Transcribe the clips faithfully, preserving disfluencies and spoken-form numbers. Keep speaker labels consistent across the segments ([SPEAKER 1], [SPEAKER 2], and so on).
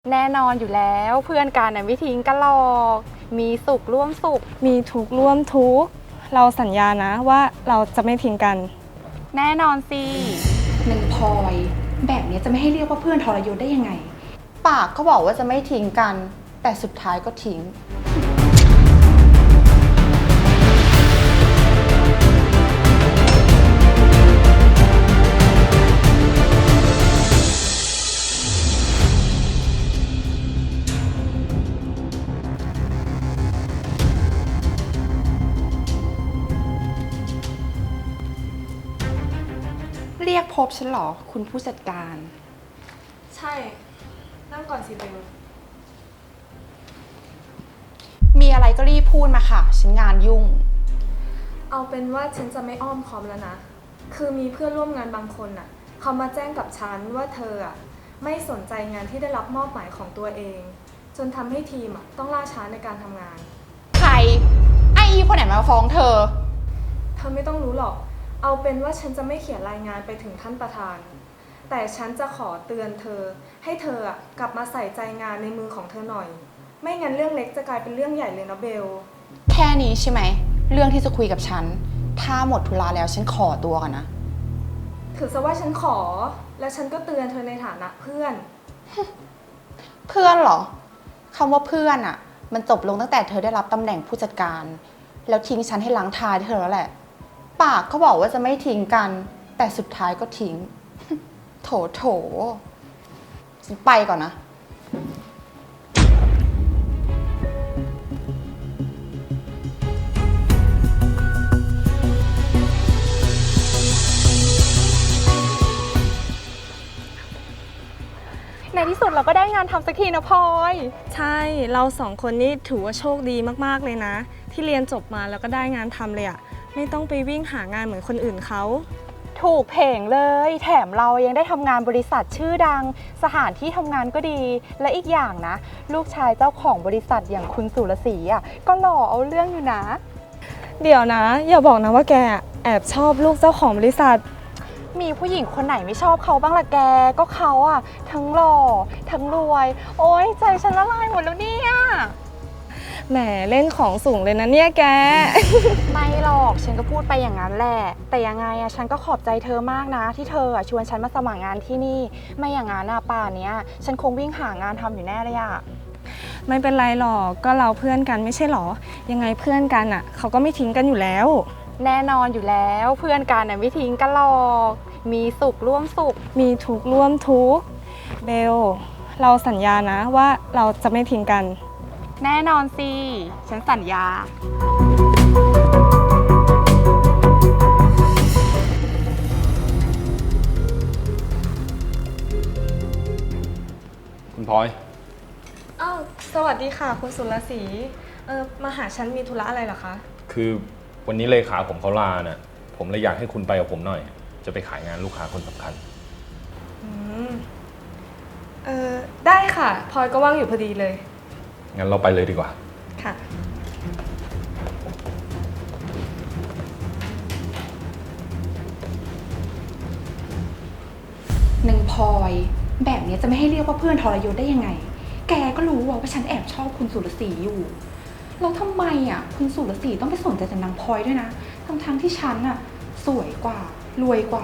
[SPEAKER 1] แน่นอนอยู่แล้วเพื่อนกันน่ะไม่ทิ้งกันหรอกมีสุขร่วมสุข
[SPEAKER 2] มีทุกข์ร่วมทุกข์เราสัญญานะว่าเราจะไม่ทิ้งกัน
[SPEAKER 1] แน่นอนสิ
[SPEAKER 3] นางพลอยแบบนี้จะไม่ให้เรียกว่าเพื่อนทรยศได้ยังไง
[SPEAKER 4] ปากก็บอกว่าจะไม่ทิ้งกันแต่สุดท้ายก็ทิ้งเรียกพบฉันเหรอคุณผู้จัดการ
[SPEAKER 2] ใช่นั่งก่อนสิเบล
[SPEAKER 4] มีอะไรก็รีบพูดมาค่ะฉันงานยุ่ง
[SPEAKER 2] เอาเป็นว่าฉันจะไม่อ้อมค้อมแล้วนะคือมีเพื่อนร่วมงานบางคนน่ะเขามาแจ้งกับฉันว่าเธออ่ะไม่สนใจงานที่ได้รับมอบหมายของตัวเองจนทำให้ทีมอ่ะต้องล่าช้าในการทำงาน
[SPEAKER 4] ใครไอ้อีคนไหนมาฟ้องเธอ
[SPEAKER 2] เธอไม่ต้องรู้หรอกเอาเป็นว่าฉันจะไม่เขียนรายงานไปถึงท่านประธานแต่ฉันจะขอเตือนเธอให้เธอกลับมาใส่ใจงานในมือของเธอหน่อยไม่งั้นเรื่องเล็กจะกลายเป็นเรื่องใหญ่เลยนะเบล
[SPEAKER 4] แค่นี้ใช่ไหมเรื่องที่จะคุยกับฉันถ้าหมดธุระแล้วฉันขอตัวกันนะ
[SPEAKER 2] ถือซะว่าฉันขอและฉันก็เตือนเธอในฐานะเพื่อน
[SPEAKER 4] เพื่อนเหรอคำว่าเพื่อนอะมันจบลงตั้งแต่เธอได้รับตำแหน่งผู้จัดการแล้วทิ้งฉันให้ล้างท้ายเธอแล้วแหละปากเขาบอกว่าจะไม่ทิ้งกันแต่สุดท้ายก็ทิ้งโถโถฉันไปก่อนนะ
[SPEAKER 1] ในที่สุดเราก็ได้งานทำสักทีนะพลอย
[SPEAKER 2] ใช่เราสองคนนี้ถือว่าโชคดีมากๆเลยนะที่เรียนจบมาแล้วก็ได้งานทำเลยอะไม่ต้องไปวิ่งหางานเหมือนคนอื่นเขา
[SPEAKER 1] ถูกเพงเลยแถมเรายังได้ทำงานบริษัทชื่อดังสถานที่ทำงานก็ดีและอีกอย่างนะลูกชายเจ้าของบริษัทอย่างคุณสุรศรีอ่ะก็หล่อเอาเรื่องอยู่นะ
[SPEAKER 2] เดี๋ยวนะอย่าบอกนะว่าแกแอบชอบลูกเจ้าของบริษัท
[SPEAKER 1] มีผู้หญิงคนไหนไม่ชอบเขาบ้างล่ะแกก็เขาอ่ะทั้งหล่อทั้งรวยโอ๊ยใจฉันละลายหมดแล้วเนี่ย
[SPEAKER 2] แหมเล่นของสูงเลยนะเนี่ยแก
[SPEAKER 1] ไม่หรอกฉันก็พูดไปอย่างนั้นแหละแต่ยังไงอะฉันก็ขอบใจเธอมากนะที่เธอชวนฉันมาสมัครงานที่นี่ไม่อย่างนั้นอะป่านเนี้ยฉันคงวิ่งหางานทำอยู่แน่เลยอะ
[SPEAKER 2] ไม่เป็นไรหรอกก็เราเพื่อนกันไม่ใช่หรอยังไงเพื่อนกันอะเขาก็ไม่ทิ้งกันอยู่แล้ว
[SPEAKER 1] แน่นอนอยู่แล้วเพื่อนกันน่ะไม่ทิ้งกันหรอกมีสุขร่วมสุข
[SPEAKER 2] มีทุกข์ร่วมทุกข์เบลเราสัญญานะว่าเราจะไม่ทิ้งกัน
[SPEAKER 1] แน่นอนสิฉันสัญญา
[SPEAKER 5] คุณพลอย
[SPEAKER 2] อ้าวสวัสดีค่ะคุณสุรศรีเออมาหาฉันมีธุระอะไรเหรอคะ
[SPEAKER 5] คือวันนี้เลขาผมเขาลาน่ะผมเลยอยากให้คุณไปกับผมหน่อยจะไปขายงานลูกค้าคนสำคัญ
[SPEAKER 2] อืมเออได้ค่ะพลอยก็ว่างอยู่พอดีเลย
[SPEAKER 5] งั้นเราไปเลยดีกว่า
[SPEAKER 2] ค่ะ
[SPEAKER 3] นางพลอยแบบนี้จะไม่ให้เรียกว่าเพื่อนทรยศได้ยังไงแกก็รู้ว่าฉันแอบชอบคุณสุรศรีอยู่แล้วทำไมอ่ะคุณสุรศรีต้องไปสนใจแต่นางพลอยด้วยนะทั้งๆที่ฉันอ่ะสวยกว่ารวยกว่า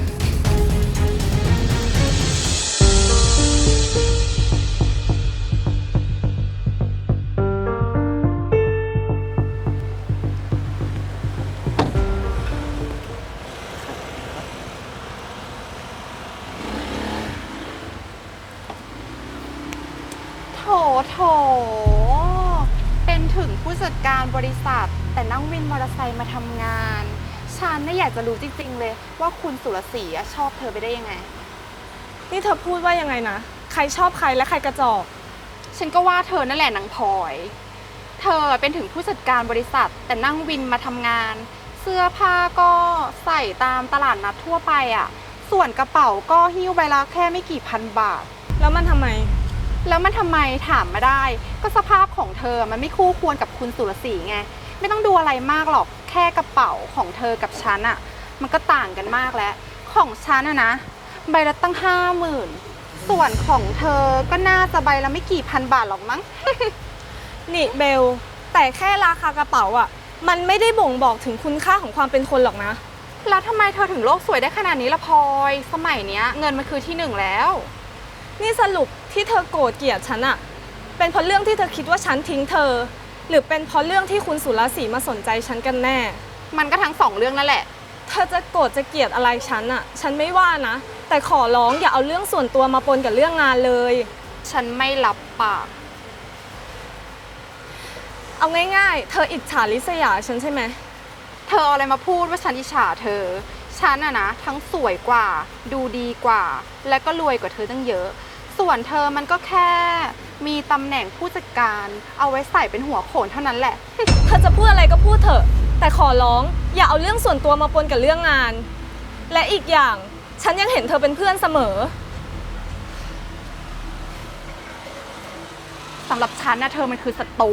[SPEAKER 1] โถโถเป็นถึงผู้จัดการบริษัทแต่นั่งวินมอเตอร์ไซค์มาทำงานฉันน่ะอยากจะรู้จริงๆเลยว่าคุณสุรศรีชอบเธอไปได้ยังไง
[SPEAKER 2] นี่เธอพูดว่ายังไงนะใครชอบใครและใครกระจอก
[SPEAKER 1] ฉันก็ว่าเธอนั่นแหละนางพลอยเธอเป็นถึงผู้จัดการบริษัทแต่นั่งวินมาทำงานเสื้อผ้าก็ใส่ตามตลาดนัดทั่วไปอ่ะส่วนกระเป๋าก็หิ้วใบละแค่ไม่กี่พันบาท
[SPEAKER 2] แล้วมันทำไม
[SPEAKER 1] แล้วมันทำไมถามมาได้ก็สภาพของเธอมันไม่คู่ควรกับคุณสุรศรีไงไม่ต้องดูอะไรมากหรอกแค่กระเป๋าของเธอกับฉันอะมันก็ต่างกันมากแล้วของฉันอะนะใบละตั้งห้าหมื่นส่วนของเธอก็น่าจะใบละไม่กี่พันบาทหรอกมั้ง
[SPEAKER 2] นี่เบล แต่แค่ราคากระเป๋าอ่ะ มันไม่ได้บ่งบอกถึงคุณค่าของความเป็นคนหรอกนะ
[SPEAKER 1] แล้วทำไมเธอถึงโลกสวยได้ขนาดนี้ละพลอย สมัยเนี้ยเงินมันคือที่หนึ่งแล้ว
[SPEAKER 2] นี่สรุปที่เธอโกรธเกลียดฉันอะเป็นเพราะเรื่องที่เธอคิดว่าฉันทิ้งเธอ หรือเป็นเพราะเรื่องที่คุณสุรศรีมาสนใจฉันกันแน่
[SPEAKER 1] มันก็ทั้งสองเรื่องนั่นแหละ
[SPEAKER 2] เธอจะโกรธจะเกลียดอะไรฉันอะฉันไม่ว่านะ แต่ขอร้องอย่าเอาเรื่องส่วนตัวมาปนกับเรื่องงานเลย
[SPEAKER 1] ฉันไม่รับปาก
[SPEAKER 2] เอาง่ายๆ เธออิจฉาริษยาฉันใช่ไหม
[SPEAKER 1] เธอเอาอะไรมาพูดว่าฉันอิจฉาเธอ ฉันอะนะทั้งสวยกว่า ดูดีกว่า และก็รวยกว่าเธอตั้งเยอะ ส่วนเธอมันก็แค่มีตำแหน่งผู้จัดการเอาไว้ใส่เป็นหัวโขนเท่านั้นแหละ
[SPEAKER 2] เธอจะพูดอะไรก็พูดเถอะ แต่ขอร้องอย่าเอาเรื่องส่วนตัวมาปนกับเรื่องงาน และอีกอย่างฉันยังเห็นเธอเป็นเพื่อนเสมอ
[SPEAKER 1] สำหรับฉันนะเธอมันคือศัตรู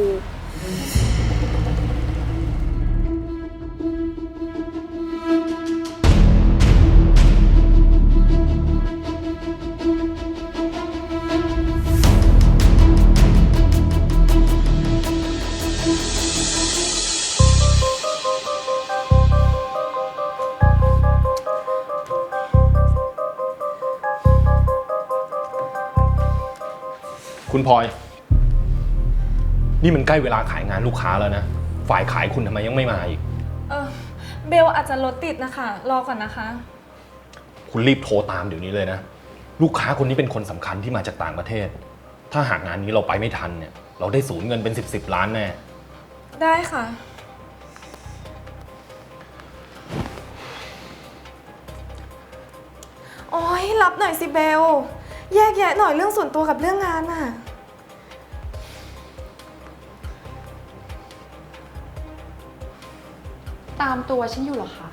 [SPEAKER 5] คุณพลอย นี่มันใกล้เวลาขายงานลูกค้าแล้วนะ ฝ่ายขายคุณทำไมยังไม่มาอีก
[SPEAKER 2] เออเบลอาจจะรถติดนะคะ รอก่อนนะคะ
[SPEAKER 5] คุณรีบโทรตามเดี๋ยวนี้เลยนะ ลูกค้าคนนี้เป็นคนสำคัญที่มาจากต่างประเทศ ถ้าหากงานนี้เราไปไม่ทันเนี่ย เราได้สูญเงินเป็นสิบสิบล้านแน่
[SPEAKER 2] ได้ค่ะ โอ๊ยรับหน่อยสิเบล แยกแยะหน่อยเรื่องส่วนตัวกับเรื่องงานน่ะ
[SPEAKER 3] ตามตัวฉันอยู่เหรอคะ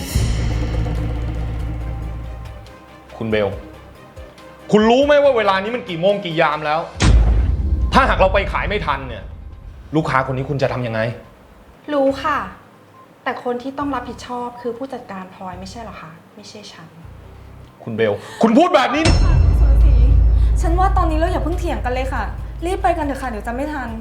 [SPEAKER 5] คุณเบล คุณรู้ไหมว่าเวลานี้มันกี่โมงกี่ยามแล้ว ถ้าหากเราไปขายไม่ทันเนี่ย ลูกค้าคนนี้คุณจะทำยังไง
[SPEAKER 3] รู้ค่ะ แต่คนที่ต้องรับผิดชอบคือผู้จัดการพลอยไม่ใช่เหรอคะ ไม่ใช่ฉัน
[SPEAKER 5] คุณเบล คุณพูดแบบนี้
[SPEAKER 2] สุรศรีฉันว่าตอนนี้เราอย่าเพิ่งเถียงกันเลยค่ะ รีบไปกันเถอะค่ะ เดี๋ยวจะไม่ทัน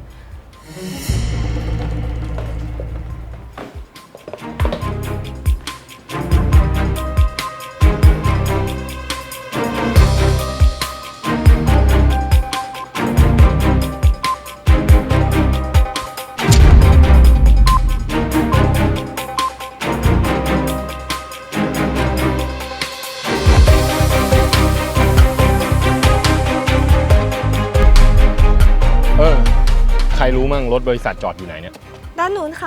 [SPEAKER 5] เออ ใครรู้มั่งรถบริษัทจอดอยู่ไหนเนี่ย
[SPEAKER 2] ด้านนู้นค่ะ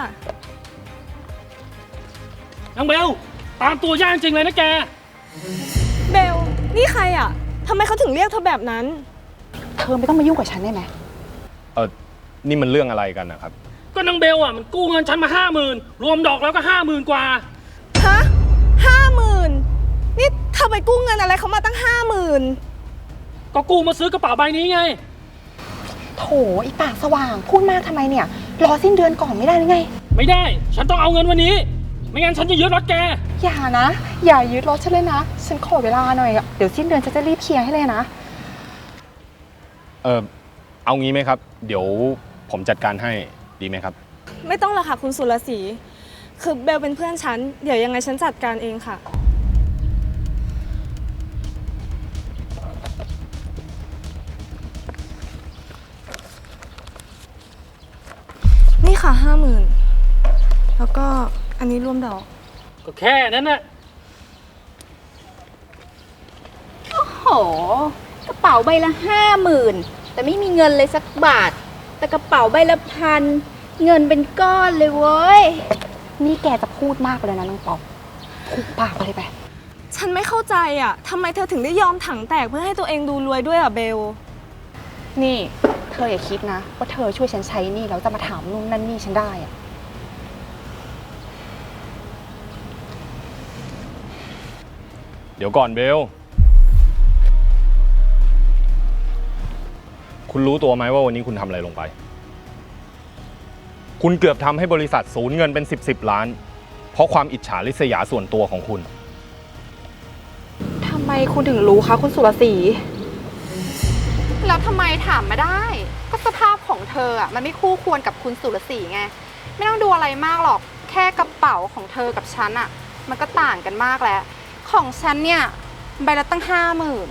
[SPEAKER 6] นางเบล ตามตัวยากจริงเลยนะแก
[SPEAKER 2] เบล นี่ใครอ่ะทำไมเขาถึงเรียกเธอแบบนั้น
[SPEAKER 4] เธอไม่ต้องมายุ่งกับฉันได้ไหม
[SPEAKER 5] เออ นี่มันเรื่องอะไรกันนะครับ
[SPEAKER 6] ก็นางเบลอ่ะมันกู้เงินฉันมาห้าหมื่นรวมดอกแล้วก็ห้าหมื่นกว่า
[SPEAKER 2] ฮะห้าหมื่นนี่เธอไปกู้เงินอะไรเขามาตั้งห้าหมื่น
[SPEAKER 6] ก็กู้มาซื้อกระเป๋าใบนี้ไง
[SPEAKER 4] โถอีปากสว่างพูดมากทำไมเนี่ย รอสิ้นเดือนก่อนไม่ได้หรือไง
[SPEAKER 6] ไม่ได้ ฉันต้องเอาเงินวันนี้ ไม่งั้นฉันจะยึดรถแก
[SPEAKER 4] อย่านะ อย่ายึดรถฉันเลยนะ ฉันขอเวลาหน่อยอะเดี๋ยวสิ้นเดือนฉันจะรีบเคลียร์ให้เลยนะ
[SPEAKER 5] เออ เอางี้ไหมครับ เดี๋ยวผมจัดการให้ดีไหมครับ
[SPEAKER 2] ไม่ต้องหรอกค่ะคุณสุรศรีคือเบลเป็นเพื่อนฉัน เดี๋ยวยังไงฉันจัดการเองค่ะ นี่ค่ะห้าหมื่นแล้วก็อันนี้รวมดอก
[SPEAKER 6] ก็แค่นั้นน่ะ
[SPEAKER 7] โหกระเป๋าใบละห้าหมื่นแต่ไม่มีเงินเลยสักบาท แต่กระเป๋าใบละพันเงินเป็นก้อนเลยเว้ย
[SPEAKER 4] นี่แกจะพูดมากไปเลยนะน้องป๊อปพูดปากไปเลยไป
[SPEAKER 2] ฉันไม่เข้าใจอ่ะทำไมเธอถึงได้ยอมถังแตกเพื่อให้ตัวเองดูรวยด้วยอ่ะเบล
[SPEAKER 4] นี่เธออย่าคิดนะว่าเธอช่วยฉันใช้หนี่แล้วจะมาถามนู่นนั่นนี่ฉันได้อะ
[SPEAKER 5] เดี๋ยวก่อนเบล คุณรู้ตัวไหมว่าวันนี้คุณทำอะไรลงไป คุณเกือบทำให้บริษัทสูญเงินเป็นสิบสิบล้าน เพราะความอิจฉาริษยาส่วนตัวของคุณ
[SPEAKER 3] ทำไมคุณถึงรู้คะคุณสุรศรี
[SPEAKER 1] แล้วทำไมถามมาได้ ก็สภาพของเธออ่ะมันไม่คู่ควรกับคุณสุรศรีไง ไม่ต้องดูอะไรมากหรอก แค่กระเป๋าของเธอกับฉันอ่ะ มันก็ต่างกันมากแล้ว ของฉันเนี่ยใบละตั้งห้าหมื่น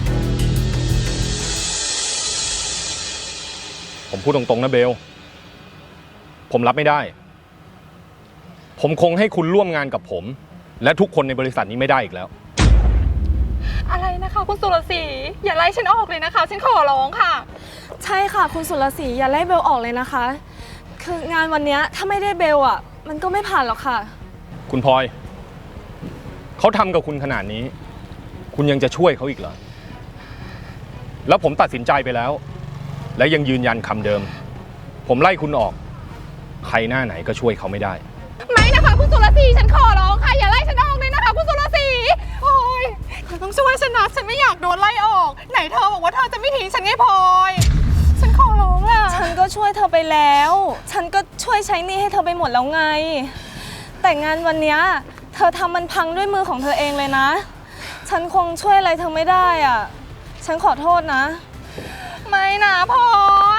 [SPEAKER 5] ผมพูดตรงๆนะเบล ผมรับไม่ได้ ผมคงให้คุณร่วมงานกับผม และทุกคนในบริษัทนี้ไม่ได้อีกแล้ว
[SPEAKER 1] อะไรนะคะคุณสุรศรีอย่าไล่ฉันออกเลยนะคะ ฉันขอร้องค่ะ
[SPEAKER 2] ใช่ค่ะคุณสุรศรีอย่าไล่เบลออกเลยนะคะ คืองานวันนี้ถ้าไม่ได้เบลอ่ะ มันก็ไม่ผ่านหรอกค่ะ
[SPEAKER 5] คุณพลอย เขาทำกับคุณขนาดนี้ คุณยังจะช่วยเขาอีกเหรอ แล้วผมตัดสินใจไปแล้ว และยังยืนยันคำเดิม ผมไล่คุณออก ใครหน้าไหนก็ช่วยเขาไม่ได้
[SPEAKER 1] ไม่นะคะคุณสุรศรีฉันขอร้องค่ะอย่าไล่ฉันออกเลยนะคะคุณสุรศรีโอ้ยเธอต้องช่วยฉันนะฉันไม่อยากโดนไล่ออก ไหนเธอบอกว่าเธอจะไม่ทิ้งฉันไงพลอยฉันขอร้องล่ะ
[SPEAKER 2] ฉันก็ช่วยเธอไปแล้ว ฉันก็ช่วยใช้หนี้ให้เธอไปหมดแล้วไง แต่งานวันเนี้ยเธอทำมันพังด้วยมือของเธอเองเลยนะ ฉันคงช่วยอะไรเธอไม่ได้อ่ะ ฉันขอโทษนะ
[SPEAKER 1] ไม่นะพลอย